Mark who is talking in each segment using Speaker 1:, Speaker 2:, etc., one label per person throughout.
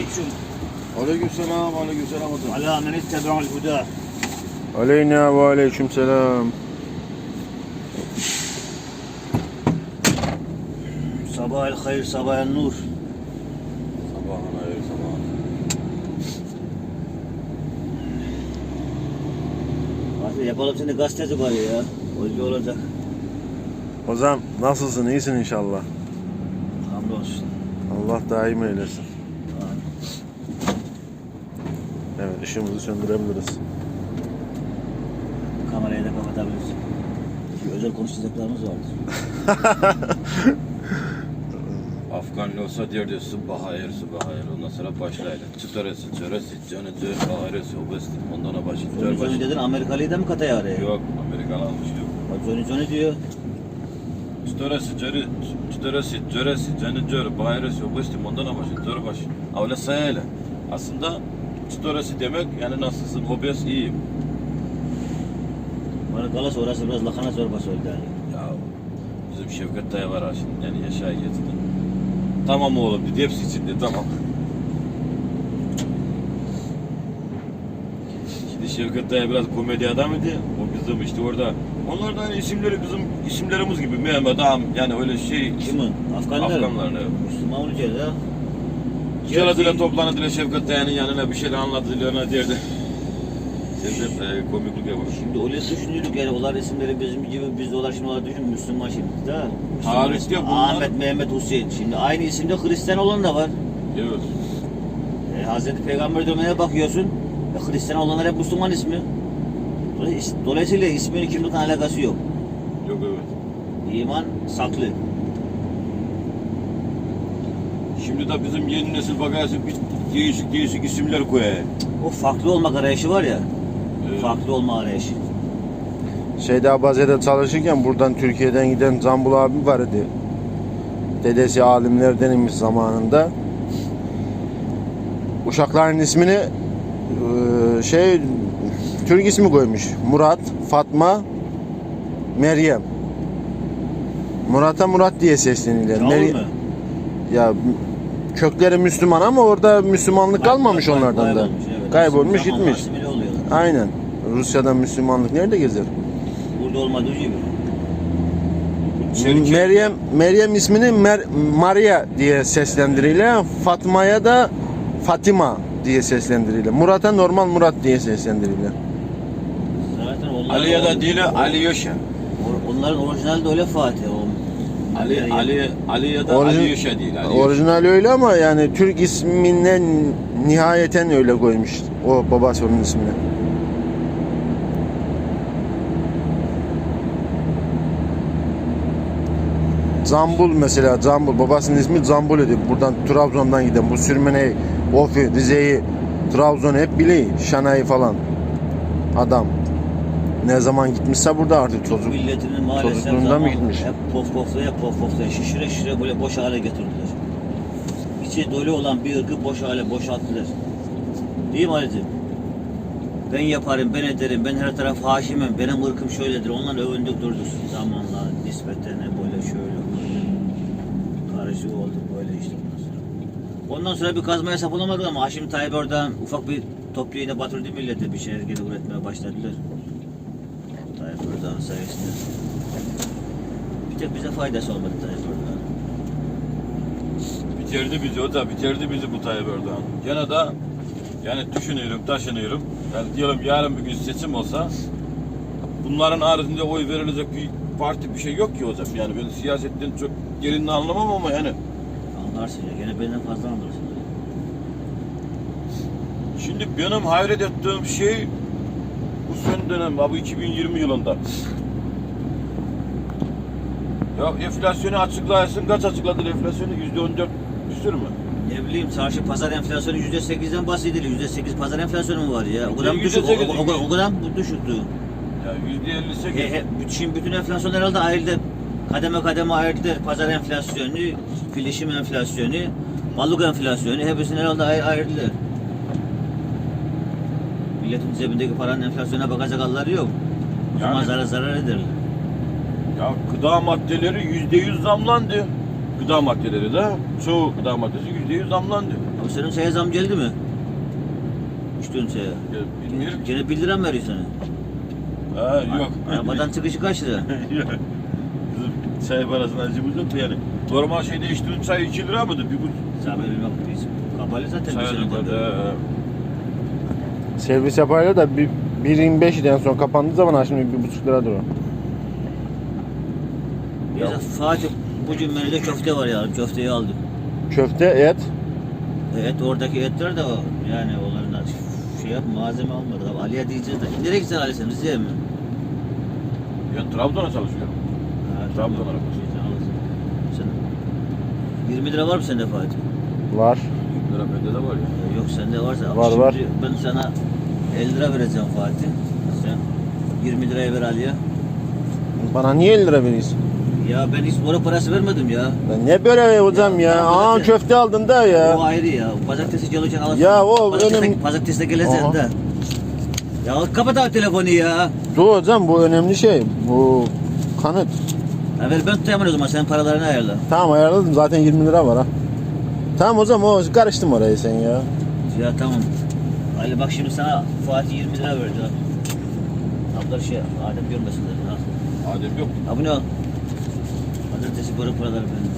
Speaker 1: aleyküm.
Speaker 2: Aleykümselam, aleykümselam.
Speaker 1: Ala men ittebe'ul huda.
Speaker 3: Aleyna ve aleykümselam.
Speaker 1: Sabahel hayır, sabahel nur.
Speaker 2: Sabahın hayır, sabahın.
Speaker 1: Hadi yapalım seni gazeteci bari ya. Hoca olacak.
Speaker 3: Hocam nasılsın? İyisin inşallah.
Speaker 1: Hamdolsun.
Speaker 3: Allah daim eylesin. Evet, ışığımızı söndürebiliriz.
Speaker 1: Kamerayı da kapatabiliriz. Çünkü özel konuşacaklarımız vardır.
Speaker 2: Afganlı olsa derdi subah hayır, subah hayır. Ondan sonra başlayalım. Çıtarası, çöresi, canı, cör, hayırısı, obesti. Ondan sonra başlayalım.
Speaker 1: Johnny dedin Amerikalıyı da mı kataya araya?
Speaker 2: Yok, Amerikan almış yok.
Speaker 1: Bak Johnny diyor.
Speaker 2: Çıtarası, cörü, çıtarası, cöresi, canı, cör, hayırısı, obesti. Ondan sonra başlayalım. Cör başı. Öyle sayayla. Aslında çıtarası demek yani nasılsın, obez iyiyim.
Speaker 1: Bana galas orası biraz lakana zorbası oldu yani.
Speaker 2: Ya bizim Şevket dayı var ha şimdi yani yaşaya getirdi. Tamam oğlum dedi hepsi içinde tamam. Şimdi Şevket dayı biraz komedi adamıydı. O bizim işte orada. Onlar da hani isimleri bizim isimlerimiz gibi Mehmet Ağam yani öyle şey.
Speaker 1: Kimin? Afganlar.
Speaker 2: Afganların evet.
Speaker 1: Müslüman olacağız ha.
Speaker 2: Geladılar toplandılar Şevket dayının yanına bir şeyler anlattılar derdi. Şevket dayı komiklik yapar.
Speaker 1: Şimdi öyle düşünüyoruz yani onlar isimleri bizim gibi biz de olar şimdi onlar düşün Müslüman şimdi da.
Speaker 2: Tarihte bunlar-
Speaker 1: Ahmet, Mehmet, Hüseyin. Şimdi aynı isimde Hristiyan olan da var.
Speaker 2: Evet.
Speaker 1: Hazreti Peygamber dönemine bakıyorsun. Hristiyan olanlar hep Müslüman ismi. Dolayısıyla isminin kimlikle alakası yok.
Speaker 2: Yok evet.
Speaker 1: İman saklı.
Speaker 2: Şimdi de bizim yeni nesil bakarsın bir değişik isimler koyuyor.
Speaker 1: O farklı olmak arayışı var ya.
Speaker 2: Evet.
Speaker 1: Farklı olma arayışı.
Speaker 3: Şeyde Abaze'de çalışırken buradan Türkiye'den giden Zambul abi var idi. Dedesi alimlerdenmiş zamanında. Uşakların ismini Türk ismi koymuş. Murat, Fatma, Meryem. Murat'a Murat diye sesleniyorlar.
Speaker 1: Çağıl mı?
Speaker 3: Ya kökleri Müslüman ama orada Müslümanlık kalmamış onlardan da.
Speaker 1: Kaybolmuş, evet.
Speaker 3: Kaybolmuş
Speaker 1: Zamanla
Speaker 3: gitmiş.
Speaker 1: asimile oluyorlar.
Speaker 3: Aynen. Rusya'da Müslümanlık nerede gezer?
Speaker 1: Burada olmadığı gibi.
Speaker 3: Meryem ismini Maria diye seslendiriyle, Fatma'ya da Fatima diye seslendiriyle. Murat'a normal Murat diye seslendiriyle.
Speaker 1: Zaten onlar
Speaker 2: Ali ya da değil Ali Yaşa.
Speaker 1: onların orijinali de öyle Fatih. O
Speaker 2: Ali ya da Ali Yaşa değil. Ali
Speaker 3: Orijinali öyle ama yani Türk isminden nihayeten öyle koymuş o babası onun ismini. Zambul mesela, Zambul babasının ismi Zambul idi. Buradan Trabzon'dan giden bu Sürmene, Ofi, Rize'yi, Trabzon'u hep biliyor. Şanay'ı falan. Adam. Ne zaman gitmişse burada artık çocuk.
Speaker 1: milletinin maalesef
Speaker 3: çocukluğunda mı gitmiş?
Speaker 1: hep poflaya şişire böyle boş hale getirdiler. İçi dolu olan bir ırkı boş hale boşalttılar. Değil mi Ali'cim? Ben yaparım, ben ederim, ben her taraf haşimim, benim ırkım şöyledir. Onlarla övündük durduk zamanla nispeten böyle şöyle böyle. Karışık oldu böyle işte ondan sonra. Ondan sonra bir kazmaya sapılamadık ama Haşim Tayyip oradan ufak bir top yine batırdı millete bir şeyler geri üretmeye başladılar. Tayyip Erdoğan sayesinde. Bir tek bize faydası olmadı Tayyip Erdoğan.
Speaker 2: bitirdi bizi o da bitirdi bizi bu Tayyip Erdoğan. Gene de yani düşünüyorum, taşınıyorum. Yani diyelim yarın bir gün seçim olsa bunların haricinde oy verilecek bir parti bir şey yok ki hocam. Yani ben siyasetten çok derinini anlamam ama yani.
Speaker 1: Anlarsın ya gene benden fazla anlarsın.
Speaker 2: Şimdi benim hayret ettiğim şey bu son dönem, bu 2020 yılında. Ya enflasyonu açıklayasın, kaç açıkladılar enflasyonu? %14 küsür mü?
Speaker 1: Ne bileyim çarşı pazar enflasyonu %8'den bahsedilir. %8 pazar enflasyonu mu var ya? O kadar mı
Speaker 2: %8
Speaker 1: düşük? O kadar mı düşüktü?
Speaker 2: Ya %58.
Speaker 1: Şimdi bütün enflasyon herhalde ayrıldı. Kademe kademe ayrıldı. Pazar enflasyonu, bilişim enflasyonu, mallık enflasyonu hepsini herhalde ayrıldılar. Milletin cebindeki paranın enflasyona bakacak halleri yok. O zaman
Speaker 2: Yani-
Speaker 1: zarar ederler.
Speaker 2: Ya gıda maddeleri %100 zamlandı. Gıda maddeleri de çoğu gıda maddesi %100 zamlandı.
Speaker 1: Bu senin şeye zam geldi mi? İçtiğin şeye.
Speaker 2: Ya, bilmiyorum ki.
Speaker 1: Gene 1 lira mı veriyor sana?
Speaker 2: Ha yok.
Speaker 1: Arabadan çıkışı kaç lira?
Speaker 2: Yok. Bizim çay parasına acımız yok yani. Normal şeyde içtiğin çay 2 lira mıdır? Bir bu
Speaker 1: Sen benim bak biz kapalı zaten bir
Speaker 2: çay
Speaker 1: sene
Speaker 2: da.
Speaker 1: kadar.
Speaker 3: Servis yaparlar da 1.25 idi en son kapandığı zaman şimdi 1.5 liradır o.
Speaker 1: Neyse Fatih bugün menüde köfte var ya. Köfteyi aldım.
Speaker 3: Köfte, et.
Speaker 1: Et oradaki etler de yani onların şey yap malzeme almadık abi. Ali'ye diyeceğiz de. Nereye gitsen Ali sen Rize'ye mi?
Speaker 2: Ben Trabzon'a çalışıyorum.
Speaker 1: Ha,
Speaker 2: Trabzon'a
Speaker 1: tamam.
Speaker 2: bakıyorsun.
Speaker 1: Sen alırsın. Sen 20 lira var mı sende Fatih?
Speaker 3: Var.
Speaker 2: 20 lira bende de var ya.
Speaker 1: Yok sende varsa.
Speaker 3: Var,
Speaker 1: Şimdi
Speaker 3: var.
Speaker 1: Ben sana 50 lira vereceğim Fatih. Sen 20 liraya ver Ali'ye.
Speaker 3: Bana niye 50 lira veriyorsun?
Speaker 1: Ya ben hiç para parası vermedim ya.
Speaker 3: Ben ne böyle hocam ya?
Speaker 1: Ya,
Speaker 3: Aa
Speaker 1: zaten-
Speaker 3: köfte aldın da
Speaker 1: O
Speaker 3: ya.
Speaker 1: ayrı ya. Pazartesi çalışan alırsın.
Speaker 3: Ya o önemli-
Speaker 1: Pazartesi de geleceksin
Speaker 3: Aha.
Speaker 1: de. Ya kapat abi telefonu ya.
Speaker 3: Dur hocam bu önemli şey. Bu kanıt.
Speaker 1: Ya ver ben tutayım o zaman sen paralarını ayarla.
Speaker 3: Tamam ayarladım zaten 20 lira var ha. Tamam hocam o karıştım oraya sen ya.
Speaker 1: Ya tamam. Ali bak şimdi sana Fatih 20 lira verdi ha. Ablar şey Adem görmesin dedi. Ha.
Speaker 2: Adem yok.
Speaker 1: Abone ol. Pazartesi böyle paraları benim.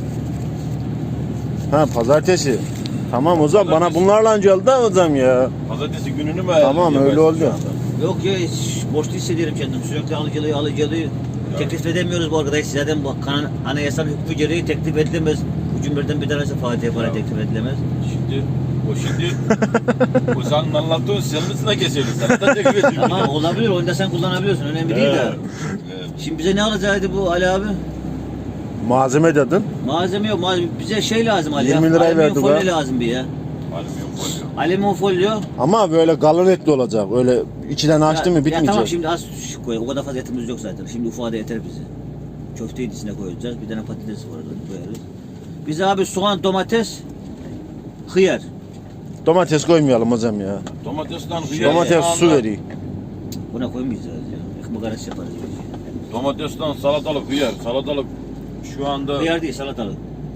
Speaker 3: Ha pazartesi. Tamam hocam bana bunlarla geldi da hocam ya.
Speaker 2: Pazartesi gününü mü
Speaker 3: Tamam, öyle oldu.
Speaker 1: Yok ya hiç borçlu hissediyorum kendimi. Sürekli alıcılığı. Teklif edemiyoruz bu arkadaş. Zaten bu anayasal hükmü gereği teklif edilemez. Bu cümleden bir tanesi Fatih'e para
Speaker 2: Ya.
Speaker 1: teklif edilemez.
Speaker 2: Şimdi o senin anlattığın senin üstüne geçelim. Sana da teklif edeyim.
Speaker 1: Ama olabilir. Onu da sen kullanabiliyorsun. Önemli değil de.
Speaker 2: Evet.
Speaker 1: Şimdi bize ne alacaktı bu Ali abi?
Speaker 3: Malzeme dedin.
Speaker 1: Malzeme yok. Bize şey lazım Ali.
Speaker 3: 20
Speaker 1: ya.
Speaker 3: lirayı
Speaker 1: Alüminyum
Speaker 3: verdi
Speaker 1: folyo
Speaker 3: be.
Speaker 1: lazım bir ya.
Speaker 2: Alüminyum folyo.
Speaker 1: Alüminyum folyo.
Speaker 3: Ama böyle kalın etli olacak. Öyle içinden açtı mı
Speaker 1: Ya
Speaker 3: bitmeyecek.
Speaker 1: tamam şimdi az koy. O kadar fazla etimiz yok zaten. Şimdi ufağa da yeter bize. Köfteyi içine koyacağız. Bir tane patates var onu koyarız. Bize abi soğan, domates, hıyar.
Speaker 3: Domates koymayalım hocam ya.
Speaker 2: Domatesten hıyar.
Speaker 3: Domates su
Speaker 2: soğanla-
Speaker 3: veriyor.
Speaker 1: Buna koymayacağız ya. Ekmek arası yaparız.
Speaker 2: Domatesten salatalık hıyar. Salatalık şu anda
Speaker 1: Hıyar değil salatalık.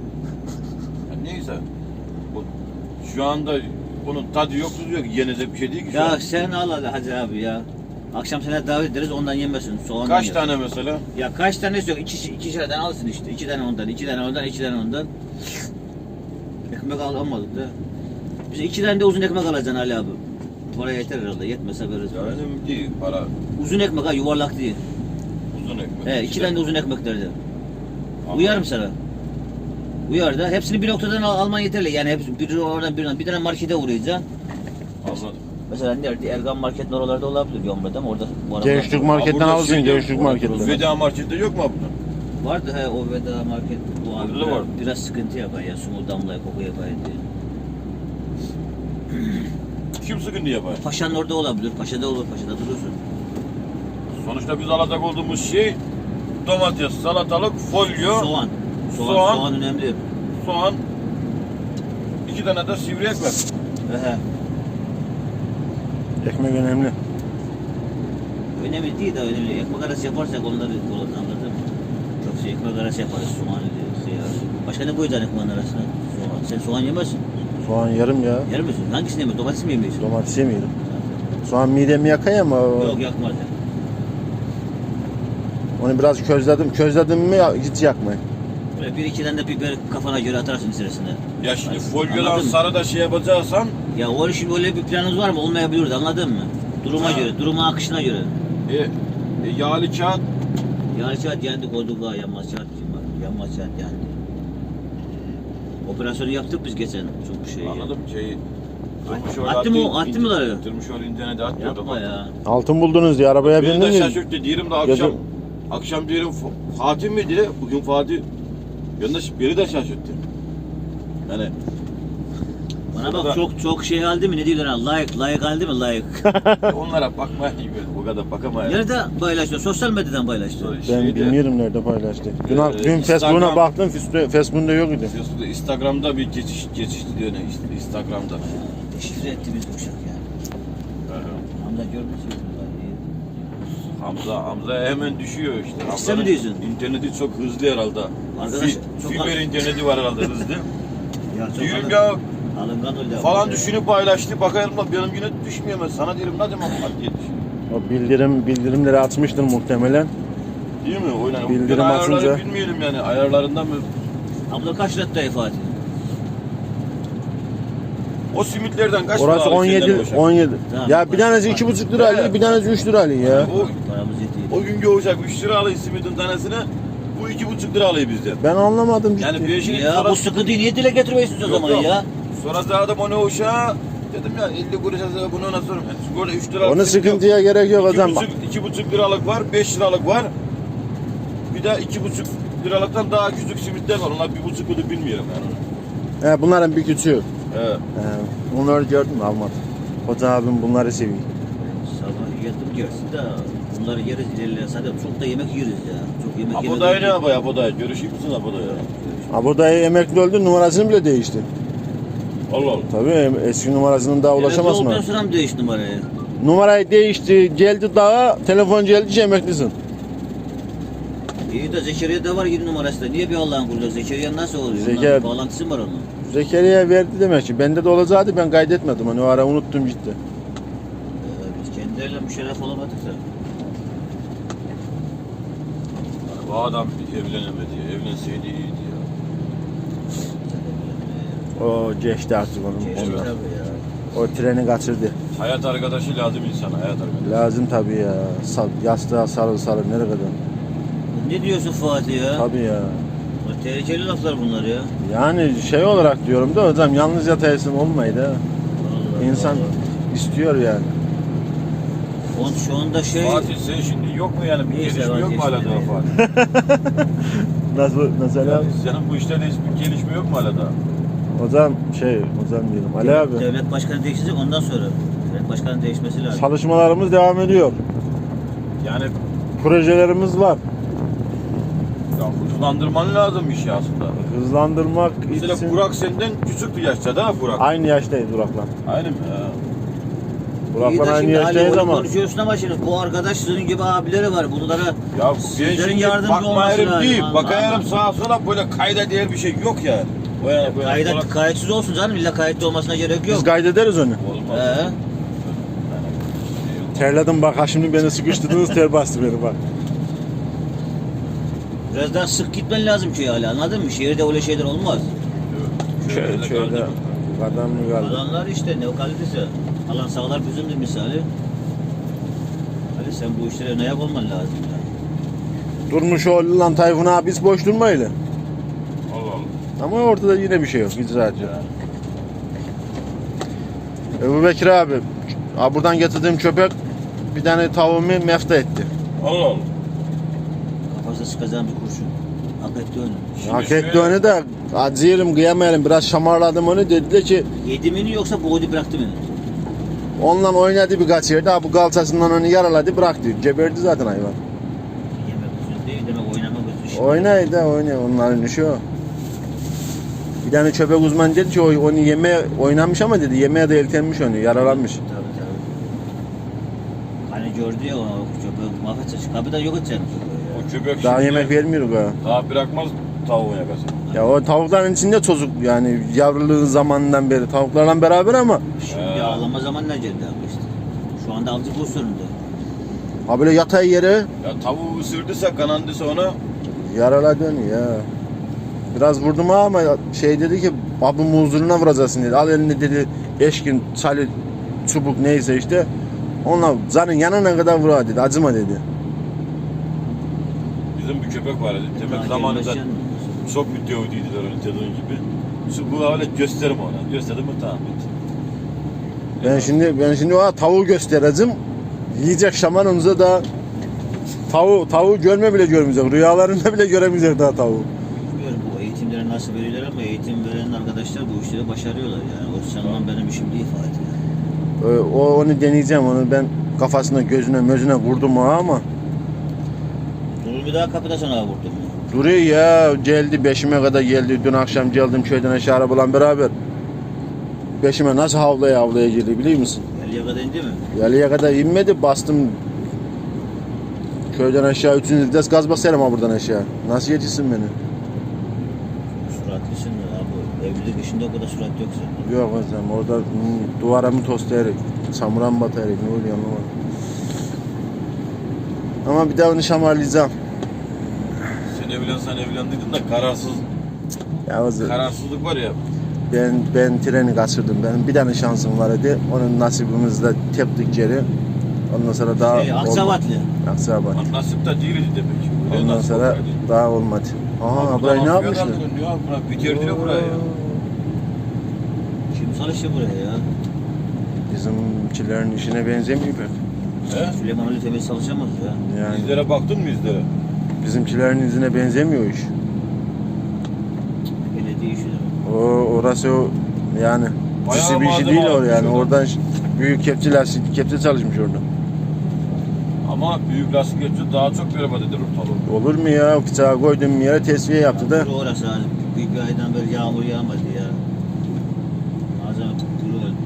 Speaker 2: neyse. O, şu anda onun tadı yok tuzu yok. Yenecek bir şey değil ki şu
Speaker 1: Ya
Speaker 2: an.
Speaker 1: sen al hadi abi ya. Akşam sana davet ederiz ondan yemesin. Soğandan
Speaker 2: Kaç
Speaker 1: yer.
Speaker 2: tane mesela?
Speaker 1: Ya kaç tanesi yok? İkişer tane alsın işte. 2 tane ondan, 2 tane ondan, 2 tane ondan. Ekmek almadık da. Biz 2 tane de uzun ekmek alacaksın Ali abi. Paraya yeter herhalde. Yetmese veririz.
Speaker 2: Ya önemli değil. Para
Speaker 1: Uzun ekmek ha yuvarlak değil.
Speaker 2: uzun ekmek.
Speaker 1: He 2 tane de uzun ekmeklerden.
Speaker 2: Ama-
Speaker 1: Uyar mı sana? Uyar da. Hepsini bir noktadan alman yeterli. Yani hepsi biri oradan birinden. Bir tane markete uğrayacaksın.
Speaker 2: Anladım.
Speaker 1: Mesela nerede? Ergan marketin oralarda olabilir Yomra'da ama orada bu arada
Speaker 3: Gençlik marketten
Speaker 2: Burada
Speaker 3: alırsın
Speaker 2: şeyde-
Speaker 3: gençlik marketten.
Speaker 2: Veda markette yok mu bunun?
Speaker 1: vardı he o Veda market bu abi
Speaker 2: Orada da var.
Speaker 1: biraz sıkıntı yapar ya sumu damlaya koku yapar diye.
Speaker 2: Kim sıkıntı yapar?
Speaker 1: Paşa'nın orada olabilir. Paşa'da olur. Paşa'da durursun.
Speaker 2: Sonuçta biz alacak olduğumuz şey domates, salatalık, folyo,
Speaker 1: Soğan.
Speaker 2: Soğan.
Speaker 1: Soğan önemli.
Speaker 2: soğan, 2 tane de sivri ekmek.
Speaker 1: Ehe.
Speaker 3: Ekmek önemli.
Speaker 1: Önemli değil de önemli. Ekmek arası yaparsak onları kullanırız anladın mı? Çok şey ekmek arası yaparız. Soğan diyor. Başka ne koyacaksın ekmeğin arasına? Soğan. Sen soğan yemezsin.
Speaker 3: Soğan yarım ya.
Speaker 1: Yer misin? Hangisini yemiyorsun? Domates mi yemiyorsun?
Speaker 3: Domates yemeyelim. Soğan midemi yakıyor ama
Speaker 1: Yok yakmaz ya.
Speaker 3: onu biraz közledim. Közledim mi hiç yakmıyor.
Speaker 1: Böyle bir iki tane de biber kafana göre atarsın içerisine.
Speaker 2: Ya şimdi
Speaker 1: Anladın
Speaker 2: folyodan
Speaker 1: mı?
Speaker 2: sarı da şey yapacaksan
Speaker 1: Ya o işin öyle bir planınız var mı? Olmayabilir anladın mı? Duruma
Speaker 2: Ha.
Speaker 1: göre, duruma akışına göre.
Speaker 2: yağlı kağıt
Speaker 1: Yani saat yandı koyduk ha yanmaz saat kim var? Yanmaz saat yandı. Operasyonu yaptık biz geçen çok şey.
Speaker 2: anladım şeyi
Speaker 1: Attı mı ları?
Speaker 2: Tırmışoğlu internet attı.
Speaker 1: Yapma ya.
Speaker 3: Altın buldunuz diye arabaya
Speaker 2: Beni de
Speaker 3: bindiniz.
Speaker 2: şaşırttı. Diyelim de
Speaker 3: Gece-
Speaker 2: akşam diyelim Fatih miydi? Bugün Fatih. Beni de şaşırttı. Yani
Speaker 1: Bana
Speaker 2: Burada-
Speaker 1: bak çok şey aldı mı? Ne diyorlar ha? Like aldı mı? Like.
Speaker 2: onlara bakmaya bu kadar bakamayın.
Speaker 1: Nerede paylaştı? Sosyal medyadan paylaştı.
Speaker 3: Ben bilmiyorum nerede paylaştı. Dün
Speaker 2: Instagram-
Speaker 3: Facebook'una baktım. Facebook'unda yok idi.
Speaker 2: Instagram'da bir geçişti diyor ne işte Instagram'da.
Speaker 1: Deşifre etti biz bu uşak ya. Hamza görmüş
Speaker 2: Hamza hemen düşüyor işte.
Speaker 1: mi
Speaker 2: Hamza'nın
Speaker 1: diyorsun?
Speaker 2: İnterneti çok hızlı herhalde.
Speaker 1: Arkadaş, çok
Speaker 2: Fiber interneti var herhalde hızlı.
Speaker 1: Ya çok
Speaker 2: Diyorum
Speaker 1: adam-
Speaker 2: ya
Speaker 1: Alıngan öyle.
Speaker 2: Falan düşünüp paylaştı. Bakayım da benim yine düşmüyor. Ben sana diyelim ne zaman var diye düşünüyorum.
Speaker 3: O bildirimleri atmıştır muhtemelen.
Speaker 2: Değil mi? Oynan.
Speaker 3: Bildirim
Speaker 2: Ben ayarları
Speaker 3: atınca-
Speaker 2: bilmeyelim yani. Ayarlarından mı?
Speaker 1: Abla kaç lira Fatih?
Speaker 2: O simitlerden kaç
Speaker 3: Orası
Speaker 2: para alıyor senden
Speaker 3: 17
Speaker 2: boşa?
Speaker 3: 17.
Speaker 1: Tamam,
Speaker 3: Ya bir tanesi
Speaker 1: tamam.
Speaker 3: 2,5 lira alıyor, bir tanesi 3 lira alıyor ya.
Speaker 1: Paramız yetiyor.
Speaker 2: O gün olacak 3 lira alıyor simitin tanesine. Bu 2,5 lira alıyor bizden.
Speaker 3: Ben anlamadım ciddi.
Speaker 2: Yani bir şey
Speaker 1: Ya bu sıkıntıyı niye dile getiriyorsunuz o
Speaker 2: Yok,
Speaker 1: zaman
Speaker 2: yok.
Speaker 1: ya?
Speaker 2: Sonra zaten onu uşağa dedim ya 50 kuruş yazıyor bunu ona sorun. Yani sigorta 3 lira.
Speaker 3: Onu sıkıntıya gerek yok o zaman.
Speaker 2: 2,5 liralık var, 5 liralık var. Bir de 2,5 liralıktan daha küçük simitler var. Onlar 1,5 lira bilmiyorum yani onu.
Speaker 3: He, bunların bir küçüğü.
Speaker 2: Evet.
Speaker 3: Onları gördüm almadım. Hoca abim bunları seviyor.
Speaker 1: Sabah yatıp yersin de bunları yeriz ilerleyen zaten çok da yemek yeriz ya. Çok yemek yemek.
Speaker 2: Abodayı ne yapıyor Abodayı? Görüşeyim misin Abodayı?
Speaker 3: Abi dayı emekli oldu, numarasını bile değişti.
Speaker 2: Allah Allah.
Speaker 3: Tabii eski numarasının daha ulaşamazsın.
Speaker 1: Olduktan sonra mı değişti numarayı?
Speaker 3: Numarayı değişti, geldi daha, telefon geldi, emeklisin.
Speaker 1: İyi de Zekeriya var 7 numarası da. Niye bir Allah'ın kulu? Zekeriya nasıl oluyor?
Speaker 3: Zekeriya-
Speaker 1: Onların bir bağlantısı mı var onun?
Speaker 3: Zekeriya verdi demek ki. Bende de olacaktı, ben kaydetmedim. Hani o ara unuttum ciddi.
Speaker 1: Biz kendileriyle müşerref olamadık da.
Speaker 2: Bu adam evlenemedi. Evlenseydi iyiydi ya.
Speaker 3: O geçti artık onun.
Speaker 1: Geçti
Speaker 3: ondan.
Speaker 1: tabii ya.
Speaker 3: O treni kaçırdı.
Speaker 2: Hayat arkadaşı lazım insana. Hayat arkadaşı.
Speaker 3: Lazım tabii ya. Yastığa sarıl nereye kadar?
Speaker 1: Ne diyorsun Fatih ya?
Speaker 3: Tabii ya.
Speaker 1: Bu tehlikeli laflar bunlar ya.
Speaker 3: Yani şey olarak diyorum da hocam yalnız yataysın olmaydı ha.
Speaker 1: Vallahi,
Speaker 3: İnsan
Speaker 1: vallahi.
Speaker 3: istiyor yani.
Speaker 1: Şu anda şey...
Speaker 2: Fatih sen şimdi yok mu yani bir
Speaker 1: Neyse,
Speaker 2: gelişme yok mu hala
Speaker 1: vazgeçtim
Speaker 2: daha
Speaker 1: ya.
Speaker 2: Fatih?
Speaker 3: Nasıl
Speaker 2: Yani
Speaker 3: abi?
Speaker 2: senin bu işlerde hiçbir gelişme yok mu hala daha?
Speaker 3: Hocam diyelim Ali abi.
Speaker 1: Devlet başkanı değişecek ondan sonra. Devlet başkanı değişmesi lazım.
Speaker 3: Çalışmalarımız devam ediyor.
Speaker 2: Yani
Speaker 3: Projelerimiz var.
Speaker 2: ya hızlandırman lazım işi aslında.
Speaker 3: Hızlandırmak
Speaker 2: Mesela
Speaker 3: için
Speaker 2: Burak senden küçüktü yaşta değil mi Burak?
Speaker 3: aynı yaştayız Burak'la.
Speaker 2: Aynı mı? Ha.
Speaker 1: İyi
Speaker 3: Burak'la
Speaker 1: de
Speaker 3: aynı
Speaker 1: şimdi Ali
Speaker 3: yaştayız
Speaker 1: onu
Speaker 3: ama
Speaker 1: konuşuyorsun ama şimdi bu arkadaş sizin gibi abileri var. Bunlara
Speaker 2: Ya ben
Speaker 1: sizlerin
Speaker 2: şimdi
Speaker 1: yardımcı olması
Speaker 2: bakmayarım
Speaker 1: lazım.
Speaker 2: değil.
Speaker 1: Anladın
Speaker 2: Bakayarım
Speaker 1: mı?
Speaker 2: sağa sola böyle kayda değer bir şey yok yani. O yani bu yani
Speaker 1: Kayıt, kayıtsız olsun canım. İlla kayıtlı olmasına gerek yok.
Speaker 3: biz kaydederiz onu.
Speaker 2: olmaz.
Speaker 3: Terledim bak ha şimdi beni sıkıştırdınız ter bastı beni bak.
Speaker 1: Biraz daha sık gitmen lazım köye hala anladın mı? Şehirde öyle şeyler olmaz.
Speaker 3: Şöyle kadar mı kaldı?
Speaker 1: Alanlar işte ne o kalitesi. Alan sağlar bizimdir misali. Ali sen bu işlere ne yapman lazım ya.
Speaker 3: Durmuş oğlu lan Tayfun abi biz boş durmayla.
Speaker 2: Allah Allah.
Speaker 3: Ama ortada yine bir şey yok icraatçı. Ebu Bekir abi buradan getirdiğim köpek bir tane tavuğumu mefta etti.
Speaker 2: Allah Allah.
Speaker 1: Kafasına sıkacağım bir kurşun. Hak etti onu.
Speaker 2: Şimdi
Speaker 3: Hak
Speaker 2: şöyle-
Speaker 3: etti onu da acıyırım kıyamayalım biraz şamarladım onu dediler ki
Speaker 1: Yedi mi yoksa boğdu bıraktı mı?
Speaker 3: onunla oynadı birkaç yerde bu kalçasından onu yaraladı bıraktı. Geberdi zaten hayvan.
Speaker 1: Yemek üzüm değil demek oynamak üzüm.
Speaker 3: Oynuyor onların işi o. Bir tane köpek uzmanı dedi ki onu yemeye oynamış ama dedi yemeğe de eltenmiş onu yaralanmış.
Speaker 1: Tabii tabii. Hani gördü ya o köpeği mahvedecek. Kapıdan yok edecek.
Speaker 2: O köpek
Speaker 3: Daha
Speaker 2: şimdi
Speaker 3: yemek vermiyoruz ha.
Speaker 2: daha bırakmaz tavuğun yakası.
Speaker 3: Ya o tavukların içinde çocuk yani yavruluğun zamanından beri tavuklarla beraber ama
Speaker 1: Şimdi ağlama zamanına geldi abi işte. Şu anda avcı pozisyonunda.
Speaker 3: ha böyle yatay yere
Speaker 2: Ya tavuğu ısırdıysa kanandıysa ona
Speaker 3: yaraladı onu ya. Biraz vurdum ama şey dedi ki babamın huzuruna vuracaksın dedi. Al elinde dedi eşkin, çali, çubuk neyse işte. Onunla zanın yanına kadar vura dedi. Acıma dedi.
Speaker 2: bizim bir köpek var dedi. Demek
Speaker 1: Daha
Speaker 2: zamanında
Speaker 1: gelmezken-
Speaker 2: çok mütevdiydiler onu dediğin gibi. Şu bu öyle gösterim ona. Gösterdim mi tamam bitti.
Speaker 3: Ben şimdi o tavuğu göstereceğim. Yiyecek şaman onunla da tavuğu görme bile görmeyecek. Rüyalarında bile göremeyecek daha tavuğu.
Speaker 1: Bilmiyorum bu eğitimleri nasıl veriyorlar ama eğitim veren arkadaşlar bu işleri başarıyorlar yani. O sanılan benim işim değil Fatih.
Speaker 3: Onu deneyeceğim. Onu ben kafasına, gözüne, mözüne vurdum ama
Speaker 1: Durur bir daha kapıda sana vurdum ya.
Speaker 3: duruyor ya. Geldi beşime kadar geldi. Dün akşam geldim köyden aşağı arabayla beraber. Beşime nasıl havlaya girdi biliyor musun?
Speaker 1: Yalıya kadar indi mi?
Speaker 3: Yalıya kadar inmedi. Bastım köyden aşağı 3. vites gaz basarım ha buradan aşağı. Nasıl yetişsin beni?
Speaker 1: Suratlısın abi. Evlilik Şimdi o kadar sürat yok zaten.
Speaker 3: Yok hocam orada duvara mı toslayarak, çamura mı batayarak ne oluyor anlamadım. Ama bir daha onu şamarlayacağım.
Speaker 2: Sen evlendiydin de
Speaker 3: Ya hocam
Speaker 2: kararsızlık var ya.
Speaker 3: ben treni kaçırdım. Benim bir tane şansım var idi. Onun nasibimizle teptik geri. Ondan sonra daha
Speaker 1: Aksavatlı.
Speaker 3: Aksavat.
Speaker 2: Lan nasip de değildi demek. Öyle
Speaker 3: Ondan
Speaker 2: nasip
Speaker 3: sonra
Speaker 2: olsaydı.
Speaker 3: daha olmadı. Aha
Speaker 2: Buradan
Speaker 3: burayı ne
Speaker 2: Afrika'dan
Speaker 3: yapmışlar?
Speaker 2: dönüyor, buna bitirdiler burayı ya.
Speaker 1: Kim çalışıyor buraya ya?
Speaker 3: Bizimkilerin işine benzemiyor pek.
Speaker 2: He?
Speaker 1: Süleyman öyle temiz çalışamaz ya.
Speaker 3: Yani
Speaker 2: İzlere baktın mı izlere?
Speaker 3: bizimkilerin izine benzemiyor iş.
Speaker 1: Belediye işi de.
Speaker 3: Orası o yani
Speaker 2: Bayağı
Speaker 3: cüsi bir işi
Speaker 2: malzeme
Speaker 3: değil o
Speaker 2: almış
Speaker 3: yani.
Speaker 2: orada.
Speaker 3: Oradan büyük kepçe çalışmış orada.
Speaker 2: Ama büyük lastik geçiyor daha çok berbat eder ortalığı.
Speaker 3: Olur mu ya? Bıçağı koydum bir yere tesviye yaptı da.
Speaker 1: Kuru orası hani. Bir aydan beri yağmur yağmadı ya. Malzeme kuru öldü.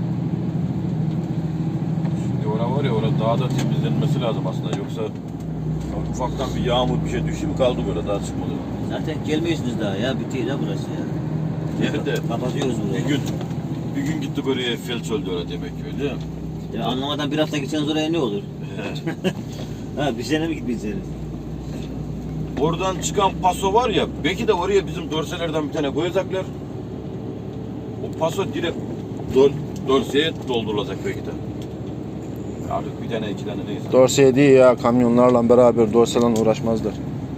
Speaker 2: Şimdi orada var ya orada daha da temizlenmesi lazım aslında yoksa ufaktan bir yağmur bir şey düştü mü kaldı böyle daha çıkmadı.
Speaker 1: Zaten gelmiyorsunuz daha ya. Bitti ya burası ya.
Speaker 2: Nerede?
Speaker 1: Kapatıyoruz burayı.
Speaker 2: Bir gün gitti böyle felç öldü öyle demek ki öyle mi?
Speaker 1: Ya anlamadan bir hafta gitseniz oraya ne olur? Ha bir sene mi gitmeyeceksiniz?
Speaker 2: Oradan çıkan paso var ya belki de oraya bizim dorselerden bir tane koyacaklar. O paso direkt dorseye doldurulacak belki de. Artık bir tane iki tane neyse.
Speaker 3: Dorsey değil ya, kamyonlarla beraber dorseyle uğraşmazlar.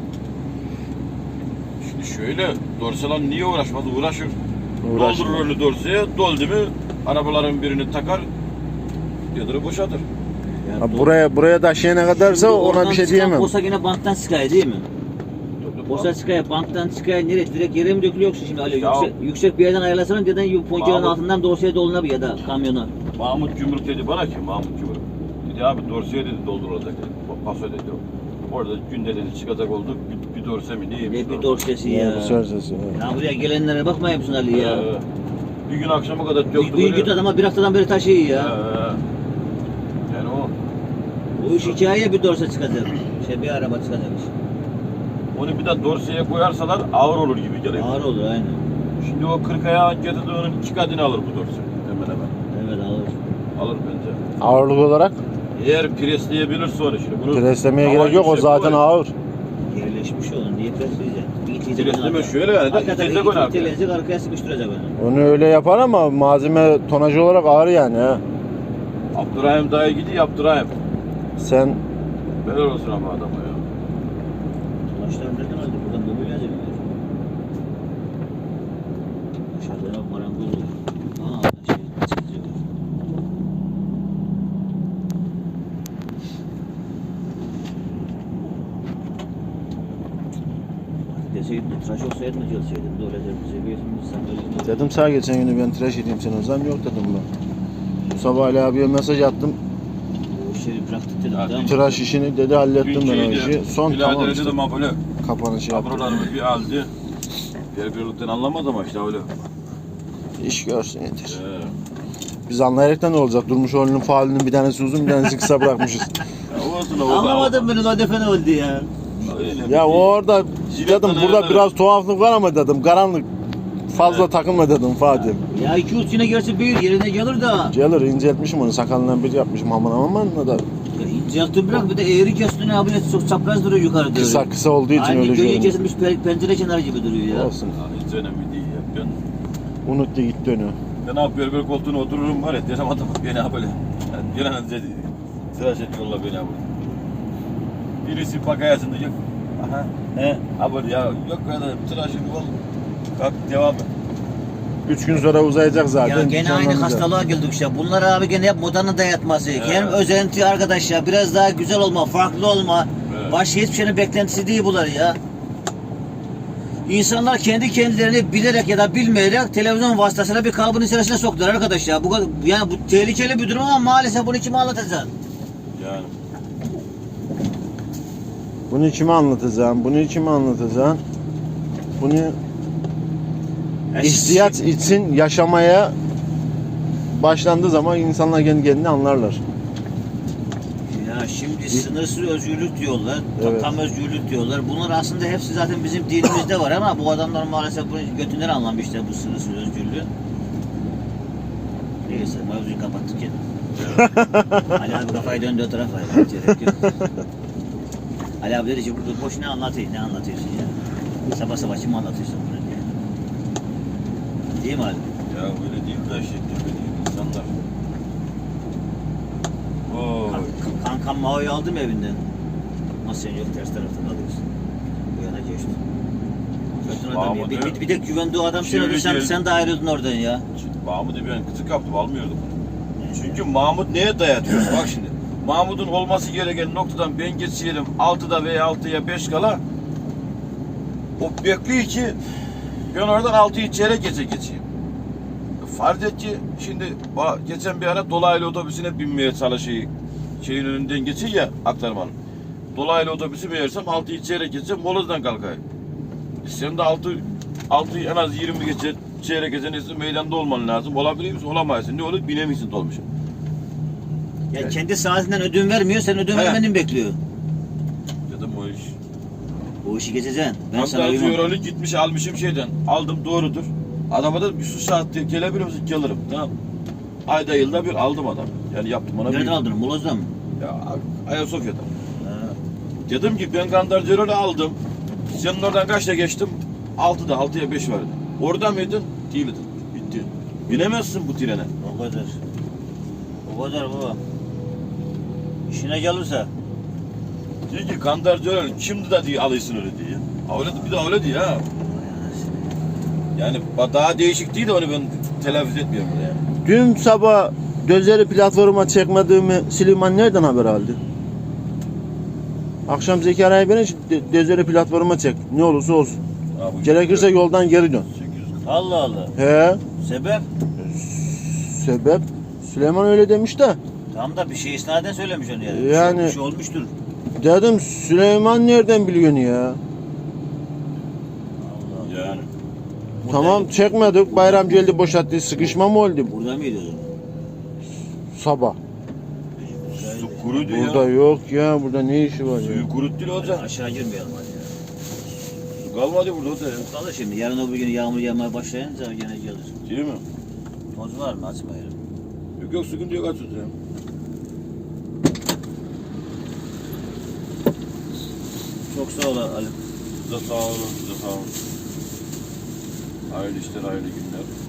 Speaker 2: Şimdi şöyle dorselan niye uğraşmaz? Uğraşır.
Speaker 3: Uğraşır.
Speaker 2: Doldurur onu dorseye, doldu mu arabaların birini takar yadırı boşaltır.
Speaker 1: Ya
Speaker 3: Ha,
Speaker 1: doğru.
Speaker 3: buraya taşıyana kadarsa
Speaker 1: Şimdi
Speaker 3: ona
Speaker 1: oradan
Speaker 3: bir şey
Speaker 1: çıkan
Speaker 3: diyemem.
Speaker 1: Bosa yine banktan çıkıyor değil mi? Bosa çıkıyor, banktan çıkıyor, nereye? Direkt yere mi dökülüyor yoksa şimdi öyle
Speaker 2: Ya-
Speaker 1: yüksek bir yerden ayarlasana deden ponçanın
Speaker 2: Mahmut-
Speaker 1: altından dorsaya dolunabilir ya da kamyona.
Speaker 2: Mahmut Cumhuruk dedi bana ki Mahmut Cumhuruk. Dedi abi dorseye dedi doldurulacak dedi. Paso dedi o. Orada günde dedi çıkacak oldu bir dorse mi neymiş?
Speaker 1: Ne bir dorsesi ya.
Speaker 3: Ya, bu sözcüsü. Evet.
Speaker 1: Ya buraya gelenlere bakmayın mısın Ali ya?
Speaker 2: Bir gün akşama kadar
Speaker 1: Bir
Speaker 2: döktü
Speaker 1: gün git adama bir haftadan beri taşıyor ya.
Speaker 2: Yani o.
Speaker 1: Bu iş hikaye bir dorsa çıkacak. Bir araba çıkacakmış.
Speaker 2: Onu bir de dorseye koyarsalar ağır olur gibi geliyor.
Speaker 1: Ağır olur aynen.
Speaker 2: Şimdi o 40 ayağın getirdiğinin 2 katını alır bu dorse. Hemen hemen.
Speaker 1: Evet alır.
Speaker 2: Alır bence.
Speaker 3: Ağırlık olarak
Speaker 2: Eğer presleyebilirse onu şimdi. Bunu
Speaker 3: preslemeye
Speaker 2: hava
Speaker 3: gerek yok, o
Speaker 2: yüksek
Speaker 3: zaten
Speaker 2: koy.
Speaker 3: ağır.
Speaker 1: Yerleşmiş onun diye presleyecek.
Speaker 2: Presleme şöyle yani de
Speaker 1: Hakikaten
Speaker 2: itecek onu arkaya.
Speaker 1: iteleyecek arkaya sıkıştıracak onu.
Speaker 3: Onu öyle yapar ama malzeme tonajı olarak ağır yani ha.
Speaker 2: Abdurrahim dayı gidiyor Abdurrahim.
Speaker 3: Sen
Speaker 2: Helal olsun ama adama ya.
Speaker 1: Taşlar nereden aldı? Buradan böyle yazıyor. Dışarıda marangoz olur. Çiziyor. Deseydin de tıraş olsaydın da gelseydin de öyle seviyorsun sen böyle.
Speaker 3: dedim sağ geçen günü ben tıraş edeyim seni o zaman, yok dedim ben. Bu sabah Ali abiye mesaj attım.
Speaker 1: O işleri bıraktık dedim.
Speaker 2: Ya,
Speaker 1: Tamam mı?
Speaker 3: Tıraş işini dedi, hallettim ben o işi. Son tamam işte.
Speaker 2: Dedim ama böyle
Speaker 3: Kapanışı yaptım.
Speaker 2: abrolarımı bir aldı. Birbirlikten anlamaz ama işte öyle.
Speaker 3: İş görsün yeter.
Speaker 2: Ee,
Speaker 3: Biz anlayaraktan ne olacak? Durmuş oğlunun faalinin bir tanesi uzun, bir tanesi kısa bırakmışız.
Speaker 2: ya olsun o.
Speaker 1: Anlamadım beni Ladefe ne oldu ya.
Speaker 3: Ya o orada
Speaker 2: Jiletten
Speaker 3: dedim burada
Speaker 2: ayarlarım.
Speaker 3: biraz tuhaflık var ama dedim, karanlık. Fazla takılma dedim Fatih.
Speaker 1: Ya 2-3 sene gerçi büyür yerine gelir de.
Speaker 3: Gelir, inceltmişim onu, sakalından bir yapmışım aman aman da.
Speaker 1: Ya incelttin bırak bir de eğri kestin abi ne çok çapraz duruyor yukarıda.
Speaker 3: Kısa olduğu için
Speaker 1: Aynı
Speaker 3: öyle
Speaker 1: göğe
Speaker 3: görünüyor.
Speaker 1: kesilmiş pencere kenarı gibi duruyor ya.
Speaker 3: Olsun.
Speaker 2: Hiç önemli değil ya.
Speaker 3: Unuttu gitti onu.
Speaker 2: Ben abi berber koltuğuna otururum var ya derim adam beni böyle. Yani gelen dedi tıraş et yolla beni abi. Birisi pakayasında yok. Aha. He. Abi ya yok kadar tıraşın ol. Kalk devam et.
Speaker 3: 3 gün sonra uzayacak zaten.
Speaker 1: Ya gene aynı
Speaker 3: canlanacak.
Speaker 1: hastalığa geldik işte. Bunlar abi gene hep modanın dayatması. Hem özenti arkadaş ya. Biraz daha güzel olma, farklı olma.
Speaker 2: Evet.
Speaker 1: Başka hiçbir şeyin beklentisi değil bunlar ya. İnsanlar kendi kendilerini bilerek ya da bilmeyerek televizyon vasıtasıyla bir kalıbın içerisine soktular arkadaş ya. Yani bu tehlikeli bir durum ama maalesef bunu kime anlatacaksın?
Speaker 2: Yani.
Speaker 3: Bunu kime anlatacağım? Bunu kime anlatacağım? Bunu ihtiyaç için yaşamaya başlandığı zaman insanlar kendi kendini anlarlar.
Speaker 1: Ya şimdi sınırsız özgürlük diyorlar,
Speaker 3: Evet.
Speaker 1: tam özgürlük diyorlar. Bunlar aslında hepsi zaten bizim dinimizde var ama bu adamlar maalesef bunu götünden anlamışlar bu sınırsız özgürlüğü. Neyse mevzuyu kapattık ya. Ali abi kafayı döndü o tarafa. Gerek yok. Ali abi dedi ki burada boş ne anlatıyorsun ya. Sabah sabah kim anlatıyorsun bunu diye. Değil mi Ali?
Speaker 2: Ya böyle değil de böyle değil insanlar. Oo.
Speaker 1: Kankam Mao'yu aldım evinden. Nasıl sen yok ters tarafta kalıyorsun. Bu yana geçti. Kötü adam ya. Bir de güvendiği adam sen
Speaker 2: Şimdi
Speaker 1: ölürsen
Speaker 2: geldi.
Speaker 1: sen de ayrıldın oradan ya.
Speaker 2: Mahmut'u ben kızı kaptım almıyordum. Çünkü Mahmut neye dayatıyor? Bak şimdi. Mahmut'un olması gereken noktadan ben geçerim 6'da veya 6'ya 5 kala o bekliyor ki ben oradan 6'yı çeyrek geçeyim. Farz et ki şimdi geçen bir ara dolaylı otobüsüne binmeye çalışıyor. Şeyin önünden geçiyor ya aktarmanın. Dolaylı otobüsü meğersem 6'yı çeyrek geçeceğim molozdan kalkayım. Sen de 6'yı en az 20 geçe çeyrek geçen meydanda olman lazım. Olabilir misin? Olamazsın. Ne olur? Binemiyorsun dolmuşa.
Speaker 1: Ya
Speaker 2: Evet.
Speaker 1: kendi saatinden ödün vermiyor, sen ödün
Speaker 2: He.
Speaker 1: vermeni bekliyor.
Speaker 2: Dedim o iş.
Speaker 1: Bu işi geçeceksin. Ben sana
Speaker 2: Hatta
Speaker 1: uymam.
Speaker 2: diyor gitmiş almışım şeyden. Aldım doğrudur. Adama dedim bir su saat diye gelebilir misin? Gelirim. Tamam. Ayda yılda bir aldım adam. Yani yaptım ona.
Speaker 1: Nereden
Speaker 2: bir-
Speaker 1: aldın? Moloz'dan mı?
Speaker 2: Ya Ayasofya'da. Dedim ki ben Gandarcıro'yu aldım. Senin oradan kaçta geçtim? 6'ya 5 vardı. Orada mıydın? Değildin. Bitti. Binemezsin bu trene.
Speaker 1: O kadar. O kadar baba. İşine gelirse.
Speaker 2: Diyor ki Gandarcıro şimdi de diye alıyorsun öyle diye. Öyle, bir de öyle diyor ha. Yani daha değişik değil de onu ben telaffuz etmiyorum burada yani.
Speaker 3: Dün sabah Dözeri platforma çekmediğimi Süleyman nereden haber aldı? Akşam Zekeriya'yı beni Dözeri platforma çek. Ne olursa olsun.
Speaker 2: Ha, bu
Speaker 3: Gerekirse yoldan geri dön.
Speaker 2: 840.
Speaker 1: Allah Allah.
Speaker 3: He.
Speaker 1: Sebep?
Speaker 3: Sebep? Süleyman öyle demiş de.
Speaker 1: Tam da bir şey isnaden söylemiş onu yani.
Speaker 3: Yani-
Speaker 1: Bir şey olmuştur.
Speaker 3: Dedim Süleyman nereden biliyorsun ya?
Speaker 1: Allah.
Speaker 2: Yani.
Speaker 3: Tamam çekmedik. Bayram geldi boşalttı. Sıkışma mı oldu?
Speaker 1: Burada mıydı o zaman?
Speaker 3: Sabah.
Speaker 2: Su kuru diyor
Speaker 3: Burada
Speaker 2: ya.
Speaker 3: yok ya. Burada ne işi var ya?
Speaker 2: Suyu kurut değil hocam.
Speaker 1: Aşağı girmeyelim hadi ya.
Speaker 2: Su kalmadı burada hocam.
Speaker 1: Kalır şimdi. Yarın öbür gün yağmur yağmaya başlayınca gene gelir.
Speaker 2: Değil mi?
Speaker 1: Toz var mı? Açmayalım.
Speaker 2: Yok sıkıntı yok açız ya.
Speaker 1: Çok sağ ol Ali.
Speaker 2: Size sağ olun, size sağ olun. Hayırlı işler, hayırlı günler.